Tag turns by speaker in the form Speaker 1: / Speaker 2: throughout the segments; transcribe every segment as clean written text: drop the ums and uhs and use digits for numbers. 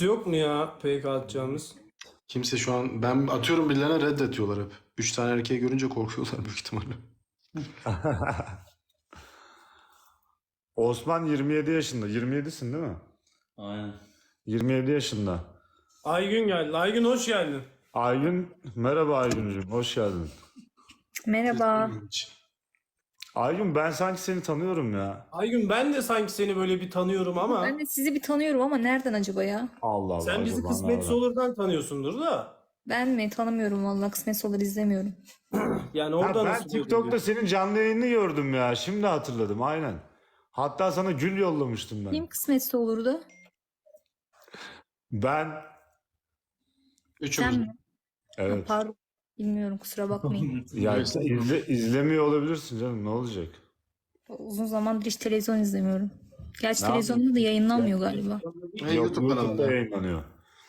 Speaker 1: Kimse yok mu ya PK atacağımız?
Speaker 2: Kimse şu an ben atıyorum birilerine reddediyorlar hep. 3 tane erkeği görünce korkuyorlar büyük ihtimalle.
Speaker 3: Osman 27 yaşında. 27'sin değil mi?
Speaker 4: Aynen.
Speaker 3: 27 yaşında.
Speaker 1: Aygün geldi. Aygün hoş geldin.
Speaker 3: Aygün, merhaba Aygüncüğüm, hoş geldin.
Speaker 5: Merhaba.
Speaker 3: Aygün ben sanki seni tanıyorum ya.
Speaker 1: Aygün ben de sanki seni böyle bir tanıyorum ama
Speaker 5: Ben de sizi bir tanıyorum ama nereden acaba ya?
Speaker 3: Allah Allah.
Speaker 1: sen bizi
Speaker 3: acaba
Speaker 1: Kısmetse
Speaker 3: nereden?
Speaker 1: Olur'dan tanıyorsundur da.
Speaker 5: Ben mi? Tanımıyorum vallahi, kısmetse olur izlemiyorum.
Speaker 1: Yani
Speaker 3: Ha,
Speaker 1: orada
Speaker 3: ben
Speaker 1: nasıl
Speaker 3: TikTok'ta senin canlı yayını gördüm ya. Şimdi hatırladım aynen. Hatta sana gül yollamıştım ben.
Speaker 5: Kim kısmetse olurdu?
Speaker 3: Ben
Speaker 5: Sen
Speaker 2: Üçümüz.
Speaker 5: mi?
Speaker 3: evet.
Speaker 5: Pardon. Bilmiyorum, kusura bakmayın.
Speaker 3: Ya sen izlemiyor olabilirsin canım, ne olacak?
Speaker 5: Uzun zamandır hiç televizyon izlemiyorum. Gerçi
Speaker 3: Ne
Speaker 5: televizyonda da yayınlanmıyor galiba.
Speaker 2: Hey,
Speaker 3: Yok,
Speaker 2: YouTube
Speaker 3: YouTube'da
Speaker 2: kanalında.
Speaker 3: yayınlanıyor.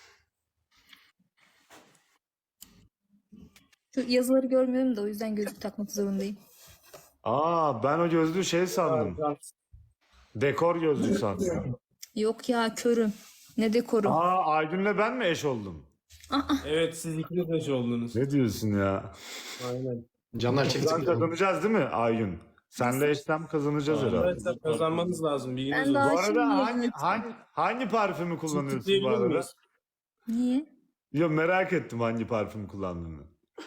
Speaker 5: Şu yazıları görmüyorum da o yüzden gözlük takmak zorundayım.
Speaker 3: Aa, ben o gözlüğü şey sandım. Dekor gözlüğü sandım.
Speaker 5: Yok ya, körüm. Ne dekoru.
Speaker 3: Aa, Aygün'le ben mi eş oldum?
Speaker 1: Evet, siz ikiniz eş oldunuz.
Speaker 3: Ne diyorsun ya?
Speaker 1: Aynen.
Speaker 2: Canlar çekti
Speaker 3: Buradan
Speaker 2: mi?
Speaker 3: kazanacağız değil mi Aygün? Senle eşlem kazanacağız herhalde.
Speaker 1: Arkadaşlar kazanmanız lazım. Bilginiz
Speaker 5: Ben daha
Speaker 1: olsun.
Speaker 3: Bu
Speaker 5: şimdi
Speaker 3: arada
Speaker 5: yayın
Speaker 3: hangi parfümü kullanıyorsun bu
Speaker 1: Tıklayabilir
Speaker 3: arada?
Speaker 1: miyiz?
Speaker 5: Niye?
Speaker 3: Ya merak ettim hangi parfüm kullandığını.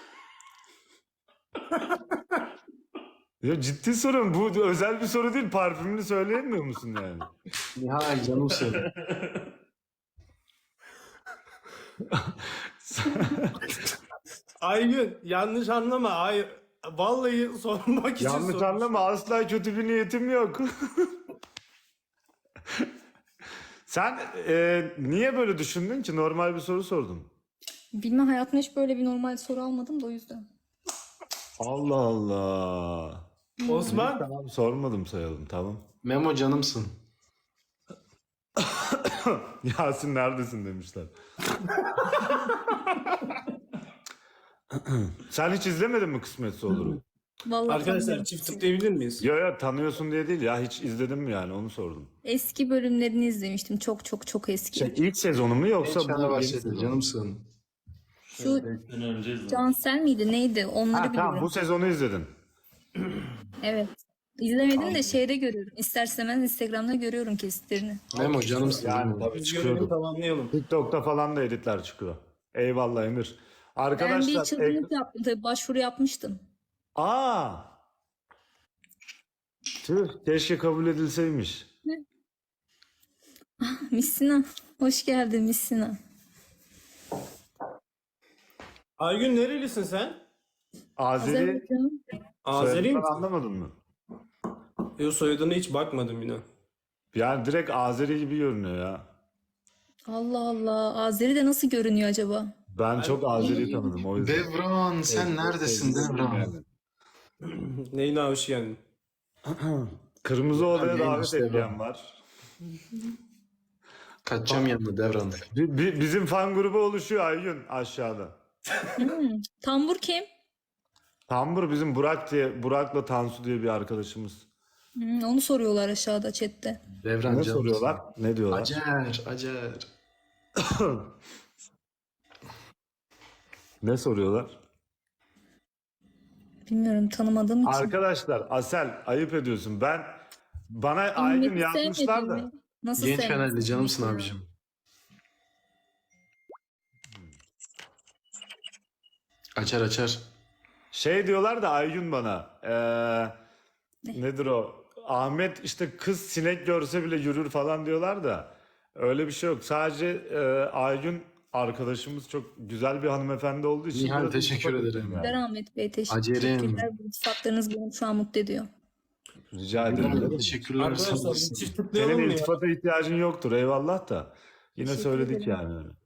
Speaker 3: Ya ciddi soruyorum. Bu özel bir soru değil. Parfümünü söyleyemiyor musun yani?
Speaker 2: Nihal canımsın.
Speaker 1: Aygün yanlış anlama. Hayır. Vallahi sormak için
Speaker 3: Yanlış
Speaker 1: sormuştum.
Speaker 3: anlama, asla kötü bir niyetim yok. Sen niye böyle düşündün ki? Normal bir soru sordum.
Speaker 5: Bilmem, hayatımda hiç böyle bir normal soru almadım da o yüzden.
Speaker 3: Allah Allah.
Speaker 1: Osman.
Speaker 3: Tamam, sormadım sayalım, tamam.
Speaker 2: Memo canımsın.
Speaker 3: Yasin neredesin demişler. Sen hiç izlemedin mi Kısmetse Olur'u?
Speaker 5: Vallahi
Speaker 1: Arkadaşlar
Speaker 5: tanımıyorum.
Speaker 1: çift tıklayabilir miyiz?
Speaker 3: Ya tanıyorsun diye değil ya, hiç izledin mi yani, onu sordum.
Speaker 5: Eski bölümlerini izlemiştim. Çok çok çok eski.
Speaker 3: İlk sezonu mu yoksa
Speaker 2: Genç
Speaker 3: bu yeni
Speaker 2: bahsedi
Speaker 3: sezonu mu?
Speaker 2: canımsın.
Speaker 5: Şu
Speaker 4: 5 sene önce izledim.
Speaker 5: Cansel miydi neydi? Onları
Speaker 3: Ha, tamam,
Speaker 5: biliyorum.
Speaker 3: bu sezonu izledin.
Speaker 5: Evet. İzlemedim de şeyde görüyorum. İsterseniz Instagram'da görüyorum kesitlerini.
Speaker 2: Memo canımsın.
Speaker 3: Yani
Speaker 2: Memo.
Speaker 3: tabii
Speaker 1: Biz görevi
Speaker 3: çıkıyordu.
Speaker 1: tamamlayalım.
Speaker 3: TikTok'ta falan da editler çıkıyor. Eyvallah Emir.
Speaker 5: Ben bir
Speaker 3: Arkadaşlar
Speaker 5: çılgınlık yaptım. Tabii başvuru yapmıştım.
Speaker 3: Aa! Tüh, keşke kabul edilseymiş.
Speaker 5: Missina. Hoş geldin Missina.
Speaker 1: Aygün nerelisin sen?
Speaker 3: Azeri
Speaker 5: Azerbaycan.
Speaker 1: Azeri
Speaker 3: soyadından
Speaker 1: misin?
Speaker 3: anlamadın mı?
Speaker 1: Yok, soyadına hiç bakmadım yine.
Speaker 3: Yani direkt Azeri gibi görünüyor ya.
Speaker 5: Allah Allah. Azeri de nasıl görünüyor acaba?
Speaker 3: Ben çok Azeri tanıdım o yüzden.
Speaker 2: Devran sen neredesin Devran?
Speaker 3: Yani.
Speaker 1: Leyla hoş geldin.
Speaker 3: Kırmızı Oda'ya
Speaker 2: Ben
Speaker 3: davet
Speaker 2: işte
Speaker 3: edilen var.
Speaker 2: Kaçacağım yanına Devran.
Speaker 3: Bizim fan grubu oluşuyor Aygün aşağıda.
Speaker 5: Tambur kim?
Speaker 3: Tambur bizim Burak'la Tansu diye bir arkadaşımız.
Speaker 5: Onu soruyorlar aşağıda chatte.
Speaker 2: Devran
Speaker 3: Ne
Speaker 2: canımsın.
Speaker 3: soruyorlar? Ne diyorlar?
Speaker 2: Acer.
Speaker 3: Ne soruyorlar?
Speaker 5: Bilmiyorum, tanımadığım için.
Speaker 3: Arkadaşlar Asel ayıp ediyorsun. Bana Aygün
Speaker 5: Beni
Speaker 3: yazmışlar
Speaker 5: sevmedin
Speaker 3: da.
Speaker 5: mi? Nasıl
Speaker 2: Genç
Speaker 5: sevmedin?
Speaker 2: Fenerli canımsın abicim. Açar.
Speaker 3: Şey diyorlar da Aygün bana. Nedir o? Ahmet işte kız sinek görse bile yürür falan diyorlar da. Öyle bir şey yok. Sadece Aygün arkadaşımız çok güzel bir hanımefendi olduğu için.
Speaker 2: Nihal,
Speaker 3: biraz
Speaker 2: teşekkür
Speaker 3: iltifat
Speaker 2: ederim.
Speaker 3: ettim yani.
Speaker 5: Teşekkürler Ahmet Bey.
Speaker 2: Acerim.
Speaker 5: Teşekkürler. Bu sıfatlarınız beni şu an mutlu ediyor.
Speaker 3: Rica ederim.
Speaker 2: Teşekkürler. sağ
Speaker 1: Arkadaşlar bir
Speaker 2: olasın.
Speaker 1: çift tıklayalım
Speaker 3: Senin
Speaker 1: mı ya?
Speaker 3: iltifata ihtiyacın yoktur eyvallah da. Yine
Speaker 5: Teşekkür
Speaker 3: söyledik
Speaker 5: ederim.
Speaker 3: yani öyle.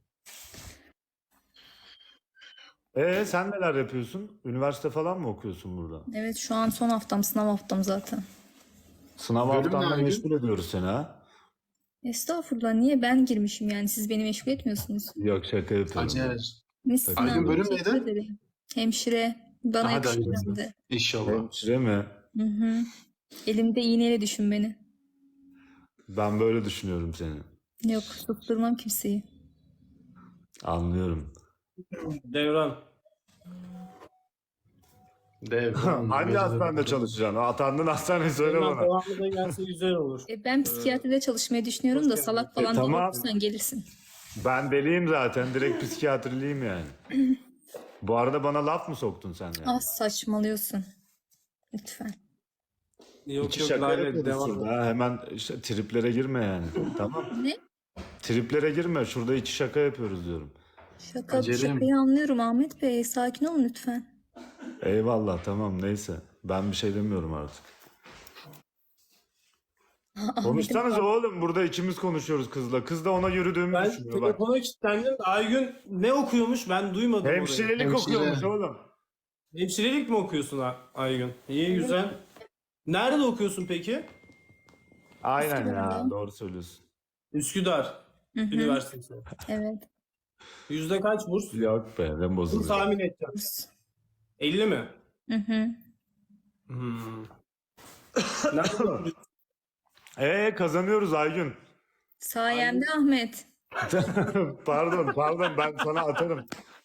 Speaker 3: Sen neler yapıyorsun? Üniversite falan mı okuyorsun burada?
Speaker 5: Evet, şu an son haftam, sınav haftam zaten.
Speaker 3: Sınav
Speaker 2: Bölüm ne
Speaker 3: haftanla
Speaker 2: Aygün?
Speaker 3: meşgul ediyoruz seni ha.
Speaker 5: Estağfurullah, niye ben girmişim yani, siz beni meşgul etmiyorsunuz.
Speaker 3: Yok, şaka yapıyorum.
Speaker 2: Acer.
Speaker 5: Misina,
Speaker 2: Aygün bölüm
Speaker 5: teşekkür
Speaker 2: neydi?
Speaker 5: ederim. Hemşire. Bana
Speaker 2: Hadi
Speaker 5: yakışır
Speaker 2: hayırlısı.
Speaker 5: hem de.
Speaker 2: İnşallah.
Speaker 3: Hemşire mi?
Speaker 5: Hı hı. Elimde iğneyle düşün beni.
Speaker 3: Ben böyle düşünüyorum seni.
Speaker 5: Yok, susturmam kimseyi.
Speaker 3: Anlıyorum.
Speaker 1: Devran.
Speaker 2: Dev.
Speaker 3: Hangi hastanede çalışacaksın? Atandığın hastaneyi söyle
Speaker 1: Devran
Speaker 3: bana.
Speaker 1: devamlı da gelse güzel olur.
Speaker 5: Ben psikiyatride çalışmayı düşünüyorum da salak falan
Speaker 3: tamam.
Speaker 5: olursan gelirsin.
Speaker 3: Ben deliyim zaten. Direkt psikiyatriliyim yani. Bu arada bana laf mı soktun sen yani?
Speaker 5: Ah saçmalıyorsun. Lütfen.
Speaker 1: Yok
Speaker 3: İki
Speaker 1: yok
Speaker 3: şaka
Speaker 1: Lale
Speaker 3: yapıyoruz
Speaker 1: devam.
Speaker 3: şurada. Ha, hemen işte triplere girme yani. Tamam.
Speaker 5: Ne?
Speaker 3: Triplere girme. Şurada iki şaka yapıyoruz diyorum.
Speaker 5: Şakayı anlıyorum Ahmet Bey. Sakin olun lütfen.
Speaker 3: Eyvallah tamam neyse. Ben bir şey demiyorum artık. Konuşsanız oğlum burada ikimiz konuşuyoruz kızla. Kız da ona yürüdüğümü
Speaker 1: Ben
Speaker 3: düşünüyor bak.
Speaker 1: telefona kilitlendim. Aygün ne okuyormuş ben duymadım orayı.
Speaker 3: Hemşirelik
Speaker 2: Hemşire.
Speaker 3: okuyormuş oğlum.
Speaker 1: Hemşirelik mi okuyorsun Aygün? İyi güzel. Nerede okuyorsun peki?
Speaker 3: Aynen ya
Speaker 5: Üsküdar'da.
Speaker 3: doğru söylüyorsun.
Speaker 1: Üsküdar
Speaker 5: Hı hı.
Speaker 1: Üniversitesi.
Speaker 5: Evet.
Speaker 1: Yüzde kaç burs?
Speaker 3: Yok be ben
Speaker 1: Bunu
Speaker 3: bozuluyor.
Speaker 1: tahmin edeceğim. 50 mi?
Speaker 5: Hı hı.
Speaker 1: Hmm. Nerede okuyorsun?
Speaker 3: Kazanıyoruz Aygün.
Speaker 5: Sayemde Ahmet.
Speaker 3: Pardon ben sana atarım.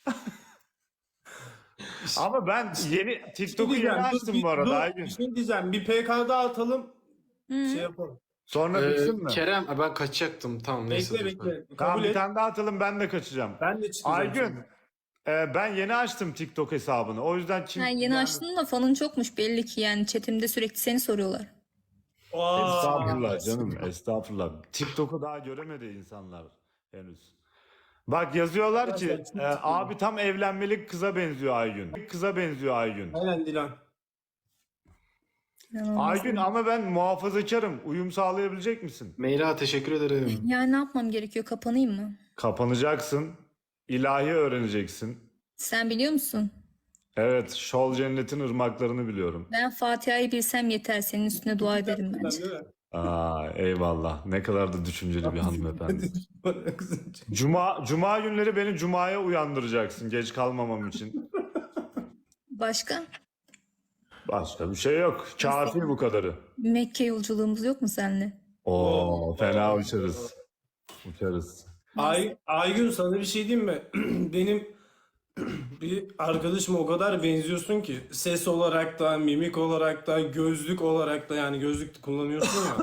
Speaker 3: Ama ben yeni TikTok'u yeni
Speaker 1: Diyeceğim,
Speaker 3: açtım bu arada Aygün.
Speaker 1: Bir şey diyeceğim. Bir PK'da atalım.
Speaker 5: Hı.
Speaker 1: Şey yapalım.
Speaker 3: Sonra bitsin mi?
Speaker 2: Kerem ben kaçacaktım. Tamam neyse.
Speaker 1: Bekle
Speaker 2: dur.
Speaker 1: bekle.
Speaker 3: Tamam
Speaker 1: Kabul
Speaker 3: bir
Speaker 1: et.
Speaker 3: tane daha atalım ben de kaçacağım.
Speaker 1: Ben de çıkacağım.
Speaker 3: Aygün
Speaker 1: şimdi.
Speaker 3: ben yeni açtım TikTok hesabını. O yüzden kim...
Speaker 5: Ha, yeni
Speaker 3: yani-
Speaker 5: açtın da fanın çokmuş belli ki yani chatimde sürekli seni soruyorlar.
Speaker 1: Aa,
Speaker 3: Estağfurullah canım estağfurullah. TikTok'u daha göremedi insanlar henüz. Bak yazıyorlar ki abi tam evlenmelik kıza benziyor Aygün. Kıza benziyor Aygün.
Speaker 1: Aynen Dilan.
Speaker 5: İnanılmaz.
Speaker 3: Aygün ama ben muhafazakarım. Uyum sağlayabilecek misin?
Speaker 2: Meyra teşekkür ederim.
Speaker 5: Yani ne yapmam gerekiyor? Kapanayım mı?
Speaker 3: Kapanacaksın. İlahi öğreneceksin.
Speaker 5: Sen biliyor musun?
Speaker 3: Evet, Şol Cennet'in ırmaklarını biliyorum.
Speaker 5: Ben Fatiha'yı bilsem yeter. Senin üstüne dua ederim bence.
Speaker 1: Değil mi?
Speaker 3: Aa, eyvallah. Ne kadar da düşünceli bir hanımefendi. Cuma günleri beni Cuma'ya uyandıracaksın geç kalmamam için.
Speaker 5: Başka?
Speaker 3: Başka bir şey yok. Kafi bu kadarı.
Speaker 5: Bir Mekke yolculuğumuz yok mu seninle?
Speaker 3: Oo, fena uçarız. Uçarız.
Speaker 1: Aygün sana bir şey diyeyim mi? Benim bir arkadaşıma o kadar benziyorsun ki ses olarak da, mimik olarak da, gözlük olarak da yani gözlük de kullanıyorsun ya.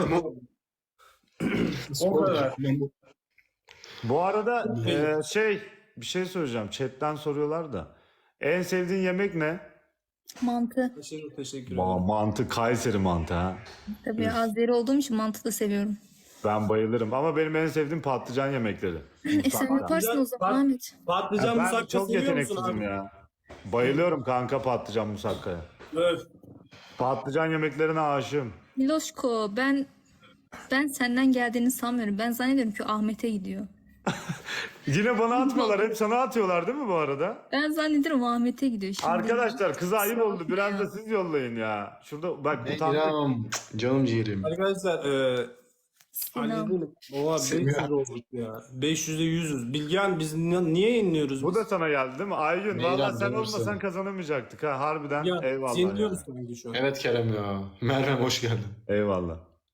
Speaker 1: O kadar.
Speaker 3: Bu arada bir şey söyleyeceğim. Chat'ten soruyorlar da. En sevdiğin yemek ne?
Speaker 5: Mantı.
Speaker 1: Teşekkür ederim.
Speaker 3: Mantı, Kayseri mantı ha.
Speaker 5: Tabii Azeri olduğum için mantı da seviyorum.
Speaker 3: Ben bayılırım ama benim en sevdiğim patlıcan yemekleri.
Speaker 5: Sen yaparsın o zaman Ahmet.
Speaker 1: Patlıcan
Speaker 3: Ben
Speaker 1: musakka
Speaker 3: çok
Speaker 1: seviyor musun
Speaker 3: yeteneksizim
Speaker 1: abi?
Speaker 3: ya. Bayılıyorum kanka patlıcan musakkaya.
Speaker 1: Öf.
Speaker 3: Patlıcan yemeklerine aşığım.
Speaker 5: Miloşko ben senden geldiğini sanmıyorum. Ben zannediyorum ki Ahmet'e gidiyor.
Speaker 3: Yine bana atmıyorlar. Hep sana atıyorlar değil mi bu arada?
Speaker 5: Ben zannediyorum Ahmet'e gidiyor şimdi.
Speaker 3: Arkadaşlar kıza ayıp oldu. Biraz da siz yollayın ya. Şurada bak utandık.
Speaker 2: Meyram. Canım ciğerim.
Speaker 1: Arkadaşlar
Speaker 5: Sinan.
Speaker 1: halledelim. Oha 500 olduk ya. 500'e 100'üz. Bilgehan biz niye yeniliyoruz?
Speaker 3: Bu da sana geldi değil mi? Aygün
Speaker 2: Meyran
Speaker 3: valla sen
Speaker 2: görürsen.
Speaker 3: olmasan kazanamayacaktık ha harbiden.
Speaker 1: Ya,
Speaker 3: Eyvallah
Speaker 1: yeniliyoruz
Speaker 3: ya.
Speaker 1: sanki şu an.
Speaker 2: Evet Kerem ya. Merve hoş geldin.
Speaker 3: Eyvallah.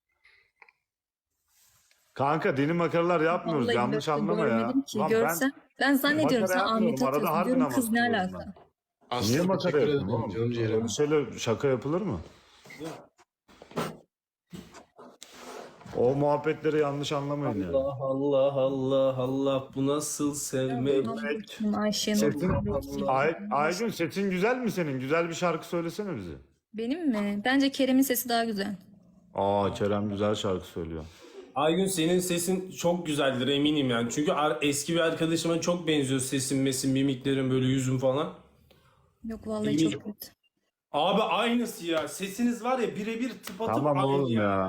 Speaker 3: Kanka dini makaralar yapmıyoruz.
Speaker 5: Vallahi
Speaker 3: Yanlış
Speaker 5: gördüm,
Speaker 3: anlama ya.
Speaker 5: görmedim ki.
Speaker 3: Lan
Speaker 5: Görsem ben zannediyorum
Speaker 3: makara
Speaker 5: sen Ahmet'e
Speaker 3: yapmıyorum. Arada
Speaker 5: atıyorsun.
Speaker 3: harbiden
Speaker 5: Diyorum kız ne
Speaker 3: bahsediyorum
Speaker 5: alaka?
Speaker 3: Niye
Speaker 2: Aslı
Speaker 3: makara
Speaker 2: teşekkür
Speaker 3: yapıyorsun
Speaker 2: ederim.
Speaker 3: oğlum?
Speaker 2: Canım ciğerim.
Speaker 3: Öyle şeyle şaka yapılır mı? O muhabbetleri yanlış anlamayın yani.
Speaker 1: Allah Allah Allah Allah bu nasıl sevmek?
Speaker 5: Ayşenur.
Speaker 3: Sesin, Aygün sesin güzel mi senin? Güzel bir şarkı söylesene bize.
Speaker 5: Benim mi? Bence Kerem'in sesi daha güzel.
Speaker 3: Aa Kerem güzel şarkı söylüyor.
Speaker 1: Aygün senin sesin çok güzeldir eminim yani. Çünkü eski bir arkadaşıma çok benziyor sesin, mesin, mimiklerin böyle yüzün falan.
Speaker 5: Yok vallahi
Speaker 1: Eminim.
Speaker 5: çok kötü.
Speaker 1: Abi aynısı ya. Sesiniz var ya birebir tıpatıp
Speaker 3: Tamam
Speaker 1: aynı
Speaker 3: oğlum ya.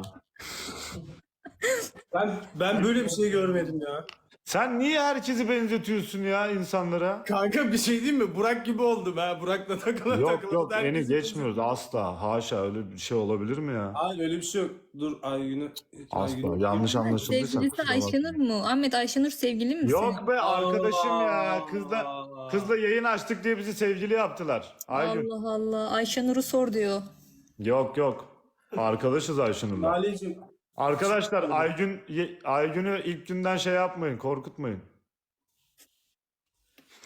Speaker 1: Ben böyle bir şey görmedim ya.
Speaker 3: Sen niye herkesi benzetiyorsun ya insanlara?
Speaker 1: Kanka bir şey diyeyim mi? Burak gibi oldum ha. Burak'la takıla
Speaker 3: Yok
Speaker 1: takıla.
Speaker 3: yok beni
Speaker 1: herkesi
Speaker 3: geçmiyoruz asla. Haşa öyle bir şey olabilir mi ya?
Speaker 1: Hayır öyle bir şey yok. Dur Aygün'ü.
Speaker 3: Asla yanlış anlaşıldıysa
Speaker 5: Sevgilisi
Speaker 3: kusura bakma.
Speaker 5: Ayşenur mu? Ahmet Ayşenur sevgilin mi senin?
Speaker 3: Yok be arkadaşım ya.
Speaker 1: Allah.
Speaker 3: Kızla yayın açtık diye bizi sevgili yaptılar. Aygün.
Speaker 5: Allah Allah. Ayşenur'u sor diyor.
Speaker 3: Yok. Arkadaşız Ayşenur'la.
Speaker 1: Lale'cim.
Speaker 3: Arkadaşlar Aygün'ü ilk günden şey yapmayın, korkutmayın.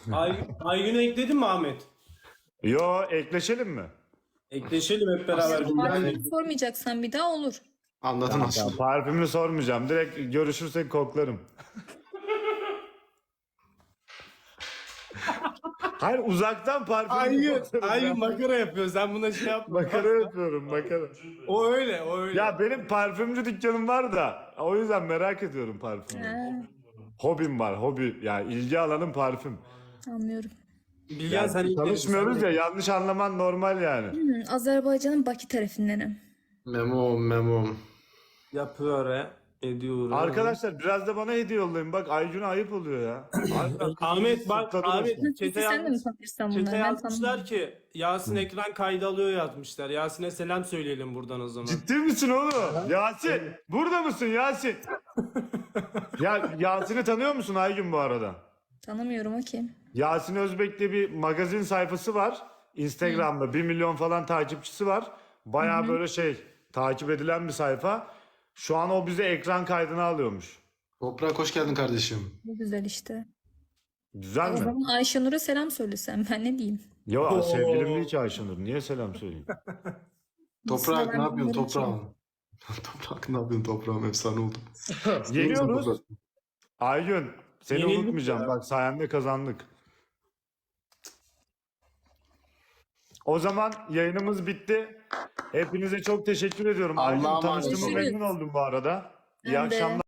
Speaker 1: Aygün'ü ekledin mi Ahmet?
Speaker 3: Yo, ekleşelim mi?
Speaker 1: Ekleşelim hep beraber.
Speaker 5: Parfümü sormayacaksan bir daha olur.
Speaker 2: Anladın
Speaker 3: Ya,
Speaker 2: aslında.
Speaker 3: parfümünü sormayacağım. Direkt görüşürsek koklarım. Hayır, uzaktan parfümünü koklarım.
Speaker 1: Aygün makara yapıyor. Sen buna şey yapma.
Speaker 3: Makara yapıyorum, makara.
Speaker 1: O öyle, o öyle.
Speaker 3: Ya benim parfümcü dükkanım var da o yüzden merak ediyorum parfümü.
Speaker 5: Ha,
Speaker 3: Hobim var, hobi. Yani ilgi alanım parfüm.
Speaker 5: anlıyorum.
Speaker 1: Bilgen sen ilk
Speaker 3: Tanışmıyoruz ya, yanlış anlaman normal yani.
Speaker 5: Azerbaycan'ın Bakü tarafındanım.
Speaker 2: Memo.
Speaker 1: yapıyor he. Ediyor.
Speaker 3: Arkadaşlar biraz da bana hediye yollayın. Bak Aycun'a ayıp oluyor ya.
Speaker 1: Ahmet bak
Speaker 3: Tadı
Speaker 1: Ahmet
Speaker 3: olsun.
Speaker 5: Peki
Speaker 1: çete,
Speaker 5: sen de mi tanıyorsan bunları?
Speaker 1: çete
Speaker 5: Ben
Speaker 1: yazmışlar
Speaker 5: tanımıyorum.
Speaker 1: ki Yasin ekran kaydı alıyor yazmışlar. Yasin'e selam söyleyelim buradan o zaman.
Speaker 3: Ciddi misin oğlum? Yasin, burada mısın Yasin? Ya Yasin'i tanıyor musun Aygün bu arada?
Speaker 5: Tanımıyorum o kim?
Speaker 3: Yasin Özbek'te bir magazin sayfası var. Instagram'da 1 milyon falan takipçisi var. Baya böyle takip edilen bir sayfa. Şu an o bize ekran kaydını alıyormuş.
Speaker 2: Toprak hoş geldin kardeşim.
Speaker 5: Ne güzel işte.
Speaker 3: Güzel
Speaker 5: O
Speaker 3: mi?
Speaker 5: zaman Ayşenur'a selam söylesem ben ne diyeyim?
Speaker 3: Yo, sevgilim değil ki Ayşenur. Niye selam söyleyeyim?
Speaker 2: Toprak
Speaker 5: ben
Speaker 2: ne yapıyorsun
Speaker 5: bunları
Speaker 2: toprağım? Toprak ne yapıyorsun toprağım? Efsane oldu.
Speaker 3: Yeniyoruz. Aygün, seni
Speaker 1: Yenildik
Speaker 3: unutmayacağım.
Speaker 1: ya.
Speaker 3: Bak sayende kazandık. O zaman yayınımız bitti. Hepinize çok teşekkür ediyorum.
Speaker 2: Allah'a
Speaker 3: Aygün,
Speaker 2: emanet
Speaker 3: tanıştığıma
Speaker 5: olun.
Speaker 3: memnun oldum bu arada. İyi
Speaker 5: Ben de.
Speaker 3: akşamlar.